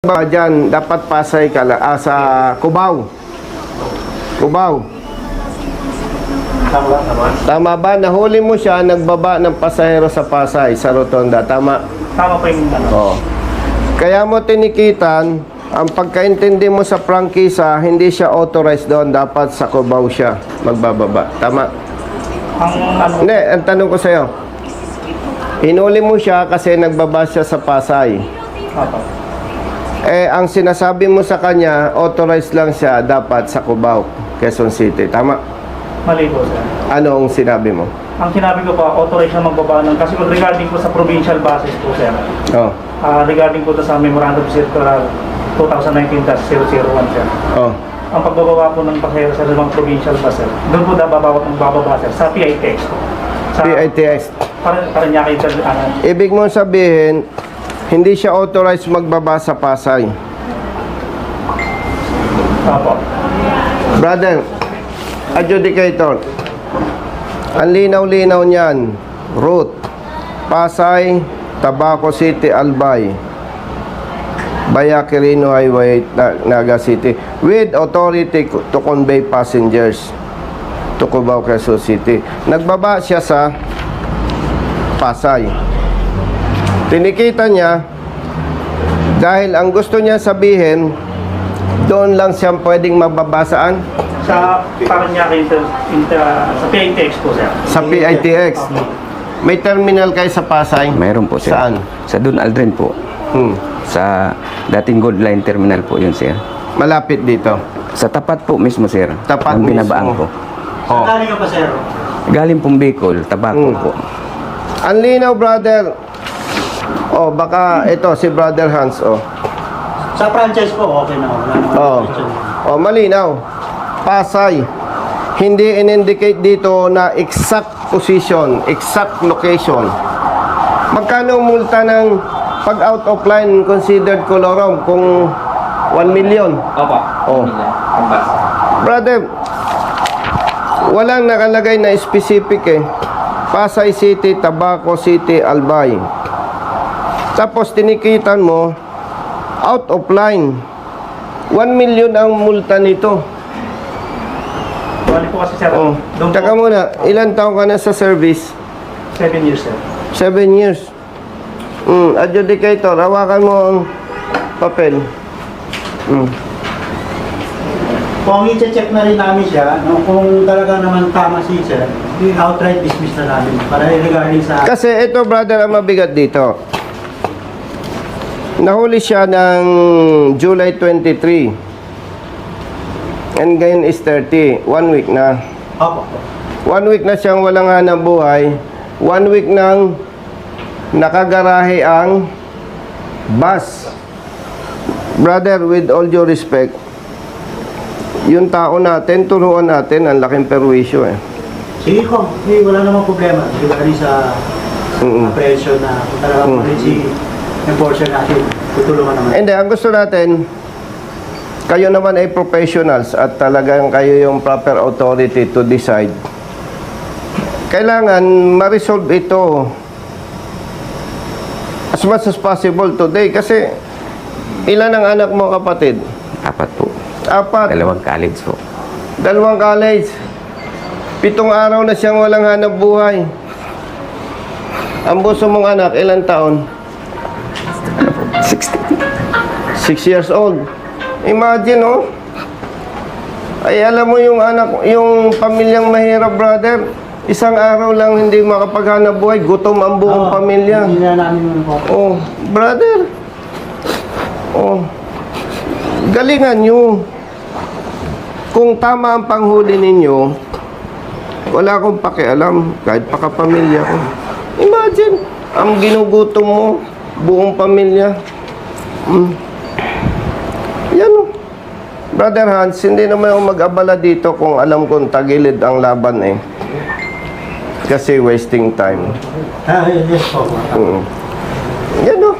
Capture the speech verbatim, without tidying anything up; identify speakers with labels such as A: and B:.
A: Ba dyan, dapat Pasay ka la, ah, sa Cubao. Cubao.
B: Tama, tama.
A: Tama ba? Nahuli mo siya, nagbaba ng pasahero sa Pasay, sa Rotonda. Tama?
B: Tama po yung ano.
A: Oo. Kaya mo tinikitan, ang pagkaintindi mo sa prangkisa, hindi siya authorized doon. Dapat sa Cubao siya magbababa. Tama?
B: Ang ano,
A: Hindi, ang tanong ko sa'yo. Hinuli mo siya kasi nagbaba siya sa Pasay.
B: Opo.
A: Eh, ang sinasabi mo sa kanya, authorized lang siya dapat sa Cubao, Quezon City. Tama?
B: Mali po, sir.
A: Ano ang sinabi mo?
B: Ang sinabi ko po, authorized na magbaba ng, kasi regarding po sa provincial basis po, sir.
A: Oh.
B: Ah, regarding po to sa Memorandum Circular twenty nineteen dash zero zero one, sir.
A: Oh.
B: Ang pagbababa po ng pasahero sa limang provincial bus, sir, doon po bababa ng bababa, sir, sa P I T X po. Sa,
A: P I T X.
B: Para, para niya kayo, sir, ano,
A: Ibig mo sabihin, hindi siya authorized magbaba sa Pasay.
B: opo.
A: Brother, adjudicator, ang linaw-linaw niyan, route, Pasay, Tabaco City, Albay, Baya Quirino Highway, Naga City, with authority to convey passengers to Cubao, Quezon City. Nagbaba siya sa Pasay. Tinikita niya dahil ang gusto niya sabihin, doon lang siya pwedeng mababasaan
B: Sa Paranaque inter, inter, sa P I T X po, sir.
A: sa P I T X. May terminal kayo sa Pasay?
C: Mayroon po, sir.
A: Saan?
C: Sa Dun Aldrin po.
A: Hmm.
C: Sa dating Gold Line Terminal po yun, sir.
A: Malapit dito.
C: Sa tapat po mismo, sir.
A: Tapat
C: ang
A: mismo.
C: binabaan ko.
A: Oh.
B: Galing ka pa, sir?
C: Galing pong Bicol, Tabaco
A: Hmm.
C: po.
A: Ang linaw, brother. Oh, baka ito si Brother Hans, oh.
B: Sa franchise po, okay na. Wala naman
A: Oh.
B: question.
A: Oh, malinaw. Pasay. Hindi in-indicate dito na exact position, exact location. Magkano ang multa ng pag out of line considered colorum kung one million?
D: Opo.
A: Oh.
D: Ang bus.
A: Brother, walang nakalagay na specific eh. Pasay City, Tabaco City, Albay. Tapos tinikitan mo, out of line. one million ang multa nito.
B: Bali po kasi, sir.
A: Oh.
B: Doon po,
A: Taka muna, ilan taon ka na sa service?
B: seven years, sir.
A: Seven years. Mm, adjudicator, hawakan mo ang papel. Mm.
E: Kung i-check na rin namin siya, no, kung talaga naman tama si sir, outright dismiss na namin para regarding sa...
A: Kasi ito, brother, ang mabigat dito. Nahuli siya ng July twenty-three. And ngayon is thirty. One week na.
E: Opo.
A: One week na siyang walang hanap buhay. One week nang nakagarahe ang bus. Brother, with all due respect, yung tao natin, turuan natin, ang laking perwisyo eh.
E: Sige ko, eh, wala namang problema regarding sa
A: Mm-mm.
E: apprehension na kung talaga
A: Mm.
E: mm. si enforcer natin, tutulungan naman.
A: Hindi, ang gusto natin, kayo naman ay professionals at talagang kayo yung proper authority to decide. Kailangan ma-resolve ito as much as possible today kasi ilan ang anak mo, kapatid?
C: Apat po.
A: Apat.
C: Dalawang college po.
A: Dalawang college. Pitong araw na siyang walang hanap buhay. Ang buso mong anak, ilang taon?
C: sixty.
A: Six years old. Imagine, oh. Ay, alam mo yung anak, yung pamilyang mahirap, brother. Isang araw lang hindi makapaghanap buhay. Gutom ang buong
E: Oo,
A: pamilya.
E: Hindi na namin yun po.
A: Oh, brother. Oh. Galingan nyo. Kung tama ang panghuli ninyo, wala akong pakialam. Kahit pa kapamilya ko. Imagine, ang ginugutom mo, buong pamilya. Mm. Yan o. Brother Hans, hindi naman ako mag-abala dito kung alam kong tagilid ang laban eh. Kasi wasting time.
E: Ah, yes, yes po.
A: Mm. Yan o.